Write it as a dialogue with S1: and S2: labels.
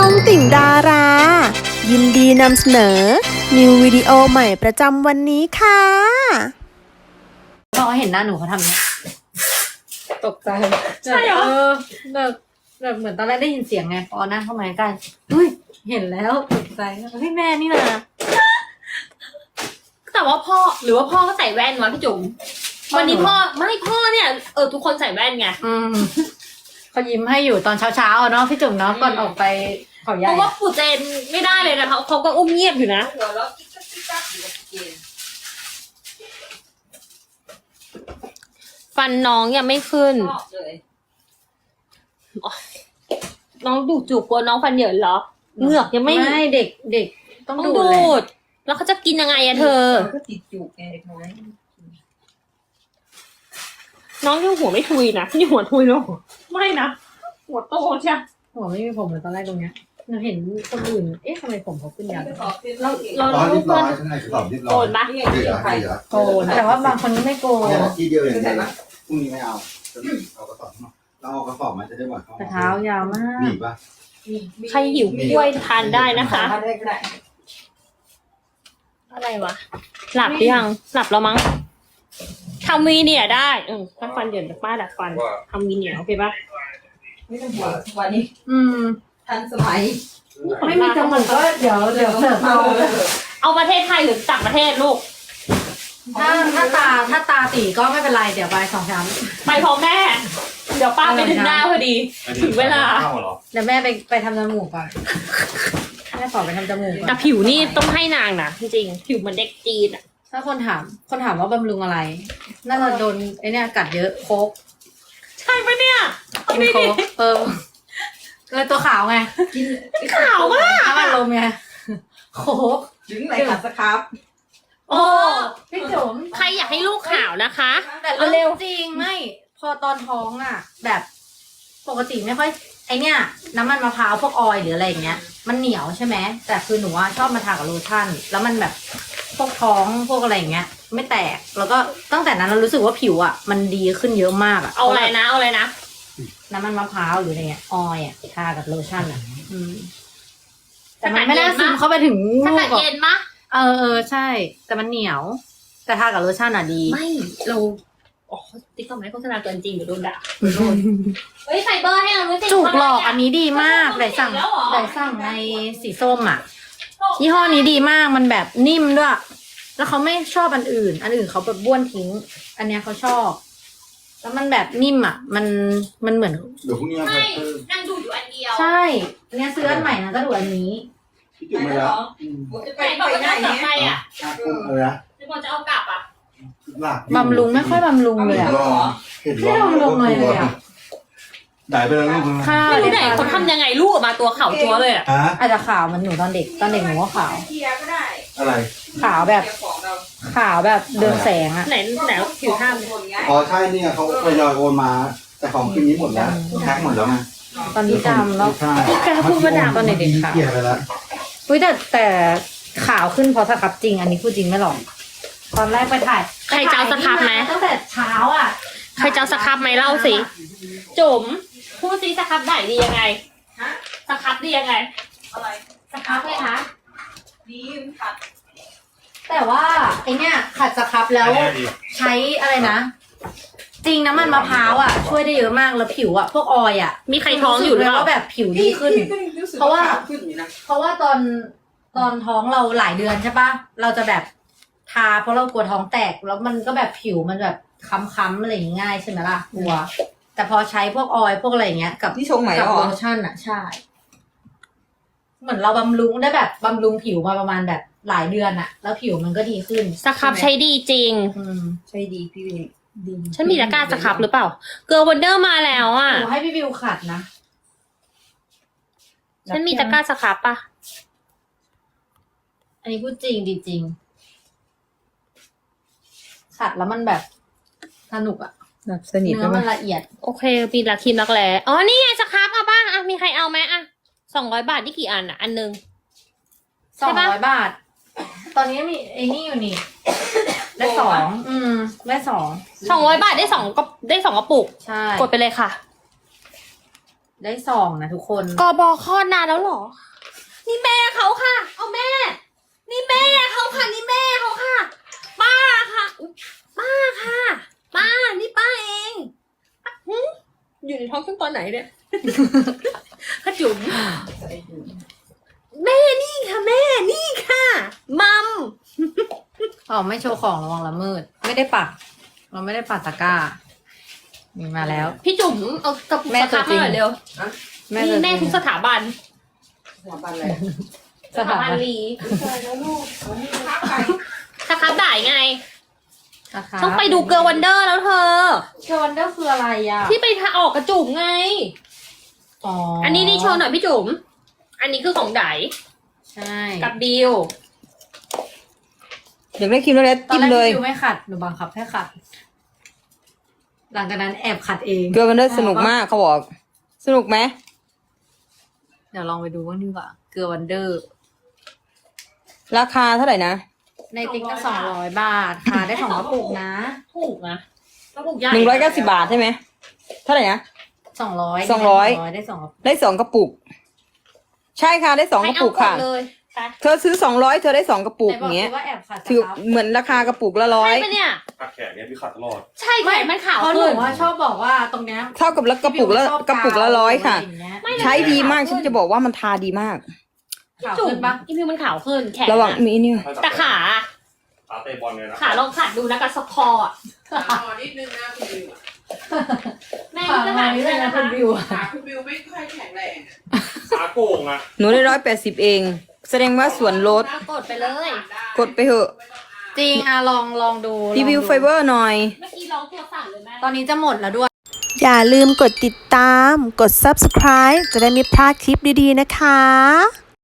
S1: องติ่งดารา ยินดีนำเสนอ นิววิดีโอใหม่ประจำวันนี้ค่ะ
S2: พอเห็นหน้าหนูเขาทำเนี้ยตกใจใช่เหรอแบบเหมือนตอนแรกได้ยินเสียงไงพอนั่งเข้ามาใกล้เฮ้ยเห็นแล้วตกใจพี่แม่นี่นะ
S3: แต่ว่าพ่อหรือว่าพ่อก็ใส่แว่นวะพี่จุ๋มวันนี้พ่อเนี่ยทุกคนใส่แว่นไง
S2: เขายิ้มให้อยู่ตอนเช้าๆเนาะพี่จุ๋มเนาะก่อนออกไปเขาใหญ่
S3: เพราะว่าปู่เจนไม่ได้เลยนะเขาก็อุ้มเงียบอยู่นะฟันน้องยังไม่ขึ้นน้องดูจูบกลัวน้องฟันเหยินเหรอเหงือกยังไม่
S2: เด็กต้องดูด
S3: แล้วเขาจะกินยังไงอะเธอ
S4: ก็ติดจูบไงเด็กน้อย
S3: น้องยังหัวไม่ทุยนะนี่หัวทุยแล้วไม่นะหัวโตใช่
S2: หัวไม่มีผมเหมือนตอนแรกตรงเนี้ยเราเห็นคนอื่นทำไมผมเขาขึ้นยาว
S3: เรา
S5: เรียบร้อยใช่ไหมสอบเรียบร้อย
S3: โกนปะ
S2: โกนแต่ว่าบางคนไม่โกน
S5: ทีเดียวอย่างเดียวพรุ่งนี้ไม่เอาเอากระสอบเราเอากระสอบมาจะได้หวัด
S2: แต่เท้ายาวมาก
S5: หนีบปะ
S3: ใครหิวกล้วยทานได้นะคะอะไรวะหลับหรือยังหลับแล้วมั้งทำวีเนี่ยได้ถ้าฟันเหยินจากป้าดัดฟันทำวีเนี่ยโอเคปะ
S4: ไม่ต้องห่วงวันนี้ทันสมัย
S2: ไม่มีจมูกก็เดี๋ยวเสิร์ฟ
S3: เอาประเทศไทยหรือต่างประเทศลูก
S2: ถ้าตาตีก็ไม่เป็นไรเดี๋ยวไป2 ชั้น
S3: ไปพร้อมแม่เดี๋ยวป้าไปถึงหน้าพอดีถึงเวลา
S2: เดี๋ยวแม่ไปทำจมูกก่อนแม่ขอไปทำจมูก
S3: แต่ผิวนี่ต้องให้นางนะจริงๆผิวเหมือนเด็กจีนอ่ะ
S2: ถ้าคนถามว่าบำรุงอะไรน่าจะโดนไอเนี่ยกัดเยอะโคก
S3: ใช่ปะเนี่ย
S2: กินโคกเลยตัวขาวไง
S3: กินขาวมาก
S2: ถ้ามันลมไงโคก
S4: ถึงไหนขัดสครับ
S3: โอ้
S2: พี่จุ๋ม
S3: ใครอยากให้ลูกขาวนะคะ
S2: แต่เร็วจริงไม่พอตอนท้องอ่ะแบบปกติไม่ค่อยไอเนี่ยน้ำมันมะพร้าวพวกออยล์หรืออะไรอย่างเงี้ยมันเหนียวใช่ไหมแต่คือหนูชอบมาทากับโลชั่นแล้วมันแบบพวกท้องพวกอะไรอย่างเงี้ยไม่แตกแล้วก็ตั้งแต่นั้นเรารู้สึกว่าผิวอ่ะมันดีขึ้นเยอะมากอ่ะ
S3: เอาอะไรนะ
S2: น้ำมันมะพร้าวหรืออะไรเงี้ยออยล์อ่ะทากับโลชั่นอ่ะแต่มันไม่ได้ซึมเข้าไปถึง
S3: ถ้าเกิดเย็นมะ
S2: ใช่แต่มันเหนียวแต่ทากับโลชั่นอ่ะดี
S3: ไม่เราติ๊กต็อกไม่โฆษณาเกินจริงเดี๋ยวโดนด่าเฮ้ยไฟเบอร์ให้เราด้วยสิ
S2: จุกหลอกอันนี้ดีมากได้สั่งในสีส้มอ่ะยี่ห้อนี้ดีมากมันแบบนิ่มด้วยแล้วเขาไม่ชอบอันอื่นเขาแบบบ้วนทิ้งอันเนี้ยเขาชอบแล้วมันแบบนิ่มอ่ะมันเหมือน
S5: เดี๋ยวพรุ่งนี้
S3: ไม่นั่งดูอยู่อันเดียว
S2: ใช่เนี่ยซื้ออันใหม่นะก็ดูอันนี้
S5: พี่จุ๋มมาแล้ว
S3: จะไปไหนอ่ะ
S5: อะไรนะ
S3: จะบอกจะเอากลับอ่ะ
S2: บำรุงไม่ค่อยบำรุงเลยอ่ะไม่บำรุงเลยอ่ะ
S5: ได้ไปแล้วลูก
S3: ไม่รู้ไหนเขาทำยังไงลูกออกมาตัวขาวจั๊วเลยอ่ะ
S2: อาจจะขาวมันหนูตอนเด็กหนูก็ขาว
S5: อะไร
S2: ขาวแบบเดินแสงอ่ะ
S3: ไหนผิวท่าม
S5: อ๋อใช่เนี่ยเขาทยอยโอนมาแต่ของคืนนี้หมดแล้วแพ็คหมดแล้วไง
S2: ตอนนี้ดำแล้ว
S3: แกพูดว่าดำ
S2: ตอนเด็กขาว
S5: เกลียดไปแล้ว
S2: แต่ขาวขึ้นเพราะสครับจริงอันนี้พูดจริงไม่หรอกตอนแรกไปถ่าย
S3: ใครเจ้าสครับไหม
S2: ตั้งแต่เช้าอ่ะ
S3: ใครเจ้าสครับไหมเล่าสิจุ๋มพูดซิสครับได้ดียังไงสครับดียังไง
S4: อะไร
S2: สครับเลยคะ
S4: ดีขัด
S2: แต่ว่าไอเนี้ยขัดสครับแล้วใช้อะไรนะจริงน้ำมันมะพร้าวอ่ะช่วยได้เยอะมากแล้วผิวอ่ะพวกออยอ่ะ
S3: มีใครท้องอยู่แล้ว
S2: แบบผิวดีขึ้นเพราะว่าตอนท้องเราหลายเดือนใช่ปะเราจะแบบทาเพราะเรากลัวท้องแตกแล้วมันก็แบบผิวมันแบบค้ำๆอะไรง่ายใช่ไหมล่ะกลัวแต่พอใช้พวกออยล์พวกอะไรเงี้ยกับ
S4: ที่ชงใหม่
S2: กับโลชั่นอ่ะใช่เหมือนเราบำรุงได้แบบบำรุงผิวมาประมาณแบบหลายเดือนอ่ะแล้วผิวมันก็ดีขึ้น
S3: สครับใช้ดีจริง
S4: ใช้ดีพี่วิว
S3: ดีฉันมีตะกร้าสครับหรือเปล่าเกิร์ลวันเดอร์มาแล้วอ่ะ
S2: หนูให้พี่วิวขัดนะ
S3: ฉันมีตะกร้าสครับปะ
S2: อันนี้พูดจริงดีจริงขัดแล้วมันแบบสนุกอ่ะ
S4: แบบสนิท
S2: เนื้อมันละเอียด
S3: โอเคมีลักครีมรักแร้อ๋อนี่ไงสครับเอาป่ะอ่ะมีใครเอาไหมอ่ะ200 บาทนี่กี่อันอ่ะอันนึง
S2: 200 บาทตอนนี้มีไอ้นี่อยู่นี่ได้2ได้200
S3: บาทได้2กระปุก
S2: ใช่
S3: กดไปเลยค่ะ
S2: ได้2นะทุกคน
S3: กบคลอดนานแล้วเหรอ นี่แม่เขาค่ะ เอาแม่ นี่แม่เขาค่ะ นี่แม่เขาค่ะ ป้าค่ะอุ๊ยป้าค่ะ ป้า นี่ป้าเองหึอยู่ในท้องตั้งตอนไหนเนี่ยขจุ๋มแม่นี่ค่ะแม่ นี่ค่ะ มัม
S2: อ๋อไม่โชว์ของระวังละมืด ไม่ได้ปัก เราไม่ได้ปักตะกร้า มีมาแล้ว
S3: พี่จุ๋มเอากระปุก
S2: แม่
S3: สครับ
S2: ตัวจริ
S3: มาง หน่อยเร็ว
S2: แม่
S3: นี่แม่ทุกสถาบัน
S4: สถาบันอะไร
S2: สถาบัน
S3: ลี
S4: เจอแล้วลูกวันนี้พักไป
S3: สครับบ่ายไง
S2: นะคะ
S3: ต้องไปดูเกอร์วันเดอร์แล้วเธอ
S2: เกอร์วันเดอร์คืออะไรอ่ะ
S3: ที่ไปออกกระจุ๋มไง
S2: อ๋อ
S3: อั
S2: อั
S3: นนี้นี่โชว์หน่อยพี่จุ๋ม อันนี้คือของได
S2: ใช่
S3: กับบิว
S6: อยากได้ครีมแล้ว
S2: ตอน
S6: จิ้ม
S2: แรก
S6: เลย
S2: พี่ไม่ขัด หนูบังคับให้ขัด หลังจากนั้นแอบขัดเอง
S6: เกลือมันได้สนุกมากเขาบอก สนุกไหม
S2: เดี๋ยวลองไปดูว่างดีกว่า เกลือวันเดอร์
S6: ราคาเท่าไหร่นะ
S2: ในติ๊กก็200 บาทค่ะได้2กระปุกนะ
S3: ถูกนะกระปุกใหญ่
S6: 190 บาทใช่ไหมเท่าไหร่นะ
S2: 200
S6: 200
S2: ได้2กระปุก
S6: ได้2กระปุก ใช่ค่ะได้2กระปุกค่ะ
S3: ให้เอาหมดเลยไป
S6: เธอซื้อ200เธอได้2กระปุก
S2: ไหนบ
S6: อย่างเงี้ย
S2: ว่าแอบขัด
S6: ถือ
S2: ครับ
S6: เหมือนราคากระปุกละร้อย
S3: ใช่ปะเนี่ย
S7: ขัดแขนเนี่ยพี่ขัดตลอด
S3: ใช่แขนมันขาว
S2: เพราะหนู
S3: ขึ้น
S2: ว่าชอบบอกว่าตรงเนี้ย
S6: เท่ากับละกระปุกละ
S2: พี่บิวชอบ
S6: กระปุกละร้อยค่ะ
S2: กาวอไรางเงี้ย
S3: ไม่
S6: ใช้ดีมากฉันจะบอกว่ามันทาดีมาก
S2: ขาว
S3: จุ๋ม
S2: ขึ้นปะ
S3: อีพิวมันขาวขึ้นแขน
S6: ระวัง
S3: อะ
S6: มีเนี่ย
S3: แต่ขา
S7: ขาเตะบอลเนี่ยนะ
S3: ขาลองขัดดูนะกับสคอร์อะ
S4: นิดนึงนะคุณบิว
S3: แม่
S2: ขาว
S3: จะ
S2: มา
S3: หาย
S2: นี่
S3: เล
S2: เลย ย
S3: นะ
S2: นะคะ คุณบิว
S4: ขาคุณบิวไม่ค่อยแข็งแรง
S7: ขาโกงอะ
S6: หนูได้180เอง แสดงว่าส่วนลด
S3: กดไปเลย
S6: กดไปเถอะ
S2: จริงอ่ะลองดู
S6: รีวิว
S2: ลองดู
S6: ไฟเบอร์หน่อย
S3: เมื่อกี้ร้องตัวสั่นเลยแม่
S2: ตอนนี้จะหมดแล้วด้วย
S1: อย่าลืมกดติดตาม กด subscribe จะได้ไม่พลาดคลิปดีๆนะคะ